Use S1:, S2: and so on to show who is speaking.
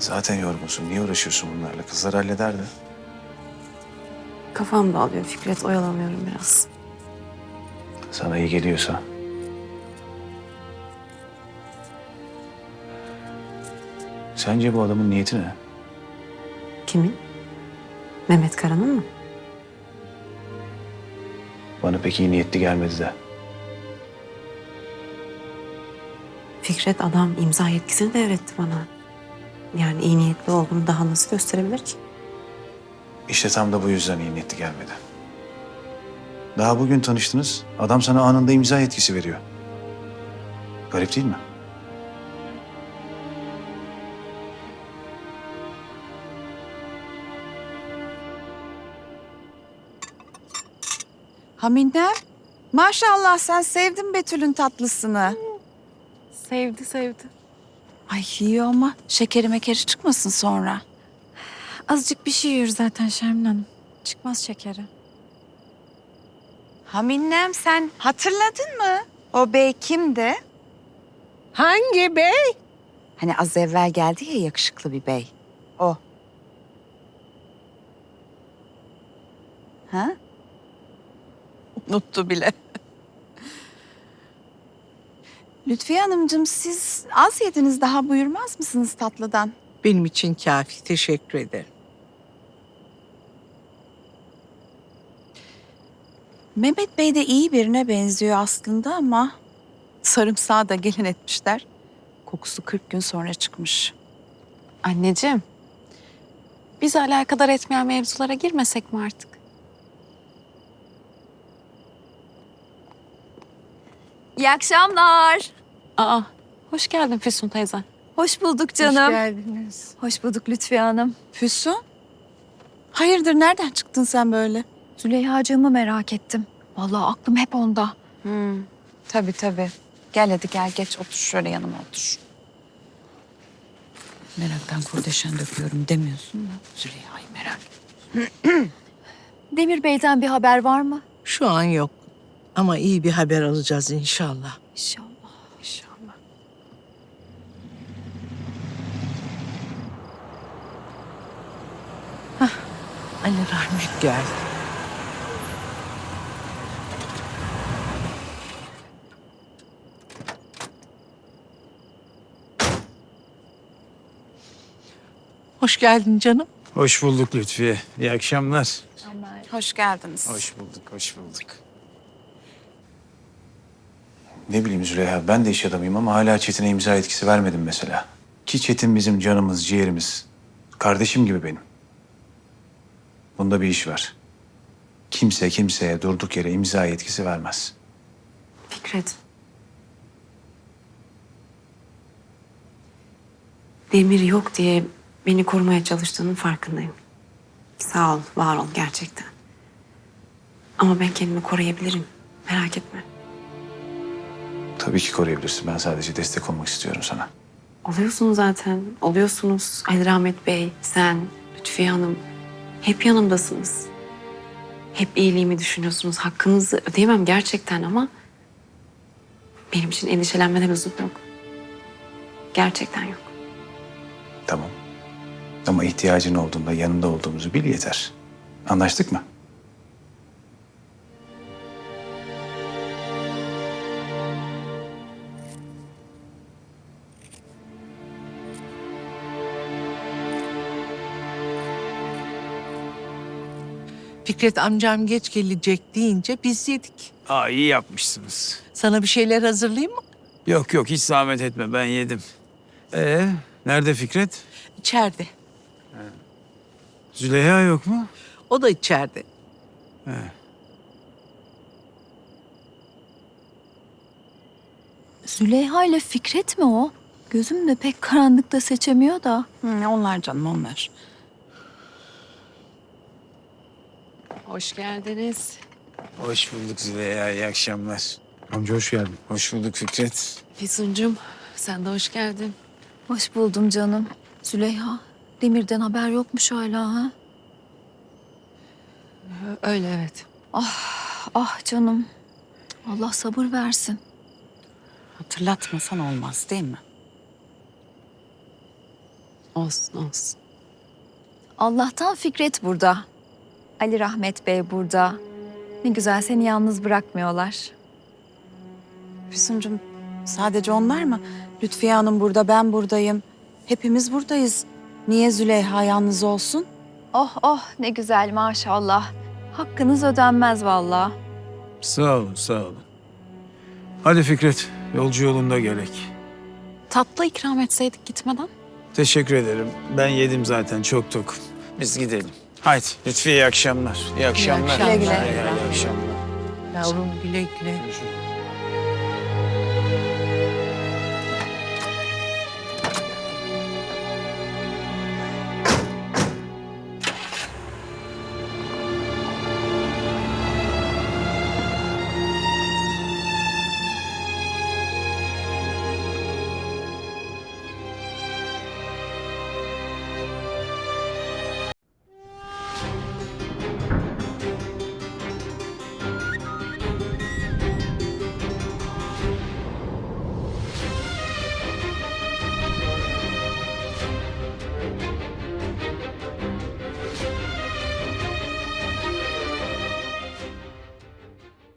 S1: Zaten yorgunsun. Niye uğraşıyorsun bunlarla? Kızlar hallederdi.
S2: Kafam dağılıyor Fikret, oyalanıyorum biraz.
S1: Sana iyi geliyorsa. Sence bu adamın niyeti ne?
S2: Kimin? Mehmet Kara'nın mı?
S1: Bana pek iyi niyetli gelmedi de.
S2: Fikret, adam imza yetkisini devretti bana. Yani iyi niyetli olduğunu daha nasıl gösterebilir ki?
S1: İşte tam da bu yüzden iyi niyetli gelmedi. Daha bugün tanıştınız. Adam sana anında imza yetkisi veriyor. Garip değil mi?
S3: Hamide, maşallah sen sevdin Betül'ün tatlısını.
S2: Sevdi.
S3: Ay yiyor ama şekeri mekeri çıkmasın sonra.
S4: Azıcık bir şey yiyor zaten Şermin Hanım. Çıkmaz şekeri.
S3: Haminem sen hatırladın mı? O bey kimdi?
S5: Hangi bey?
S3: Hani az evvel geldi ya yakışıklı bir bey. O. Ha? Unuttu bile. Lütfiye Hanımcığım siz az yediniz, daha buyurmaz mısınız tatlıdan?
S5: Benim için kafi, teşekkür ederim.
S3: Mehmet Bey de iyi birine benziyor aslında ama sarımsağı da gelin etmişler. Kokusu 40 gün sonra çıkmış.
S4: Anneciğim, bizi alakadar etmeyen mevzulara girmesek mi artık?
S6: İyi akşamlar.
S4: Aa, hoş geldin Füsun teyze.
S6: Hoş bulduk
S5: Hoş
S6: canım.
S5: geldiniz.
S6: Hoş bulduk Lütfiye Hanım.
S3: Füsun? Hayırdır nereden çıktın sen böyle?
S6: Züleyha'cığımı merak ettim. Vallahi aklım hep onda.
S3: Tabii. Gel hadi gel geç otur şöyle yanıma otur. Meraktan kurdeşen döküyorum demiyorsun da Züleyha'yı merak et.
S6: Demir Bey'den bir haber var mı?
S5: Şu an yok. Ama iyi bir haber alacağız inşallah.
S6: İnşallah.
S3: İnşallah.
S5: Ali Rahmet geldi. Hoş geldin canım.
S7: Hoş bulduk Lütfiye. İyi akşamlar.
S3: Hoş geldiniz.
S7: Hoş bulduk, hoş bulduk.
S1: Ne bileyim Züleyha, ben de iş adamıyım ama hala Çetin'e imza etkisi vermedim mesela. Ki Çetin bizim canımız, ciğerimiz. Kardeşim gibi benim. Bunda bir iş var. Kimse kimseye durduk yere imza yetkisi vermez.
S2: Fikret. Demir yok diye beni korumaya çalıştığının farkındayım. Sağ ol, var ol gerçekten. Ama ben kendimi koruyabilirim. Merak etme.
S1: Tabii ki koruyabilirsin. Ben sadece destek olmak istiyorum sana.
S2: Oluyorsun zaten. Oluyorsunuz. Ali Rahmet Bey, sen, Lütfiye Hanım. Hep yanımdasınız. Hep iyiliğimi düşünüyorsunuz. Hakkınızı ödeyemem gerçekten ama... benim için endişelenmeden lüzum yok. Gerçekten yok.
S1: Tamam. Ama ihtiyacın olduğunda yanında olduğumuzu bil yeter. Anlaştık mı?
S5: Fikret amcam geç gelecek deyince biz yedik.
S7: Aa, iyi yapmışsınız.
S5: Sana bir şeyler hazırlayayım mı?
S7: Yok yok, hiç zahmet etme, ben yedim. Nerede Fikret?
S5: İçeride.
S7: Züleyha yok mu?
S5: O da içeride.
S6: Züleyha ile Fikret mi o? Gözüm de pek karanlıkta seçemiyor da.
S3: Onlar canım onlar.
S2: Hoş geldiniz.
S7: Hoş bulduk Züleyha, iyi akşamlar.
S1: Amca hoş geldin.
S7: Hoş bulduk Fikret.
S2: Füsuncuğum, sen de hoş geldin.
S6: Hoş buldum canım. Züleyha, Demir'den haber yokmuş hala ha?
S2: Öyle evet.
S6: Ah canım. Allah sabır versin.
S3: Hatırlatmasan olmaz değil mi?
S2: Olsun olsun.
S6: Allah'tan Fikret burada. Ali Rahmet Bey burada. Ne güzel seni yalnız bırakmıyorlar.
S3: Füsuncuğum, sadece onlar mı? Lütfiye Hanım burada, ben buradayım. Hepimiz buradayız. Niye Züleyha yalnız olsun?
S6: Oh oh ne güzel maşallah. Hakkınız ödenmez vallahi.
S7: Sağ olun, sağ olun. Hadi Fikret, yolcu yolunda gerek.
S4: Tatlı ikram etseydik gitmeden.
S7: Teşekkür ederim. Ben yedim zaten, çok tok. Biz gidelim. Haydi Lütfiye iyi akşamlar. İyi akşamlar.
S6: Güle güle.
S7: İyi akşamlar.
S5: Yavrum güle güle.
S7: Görüşürüz.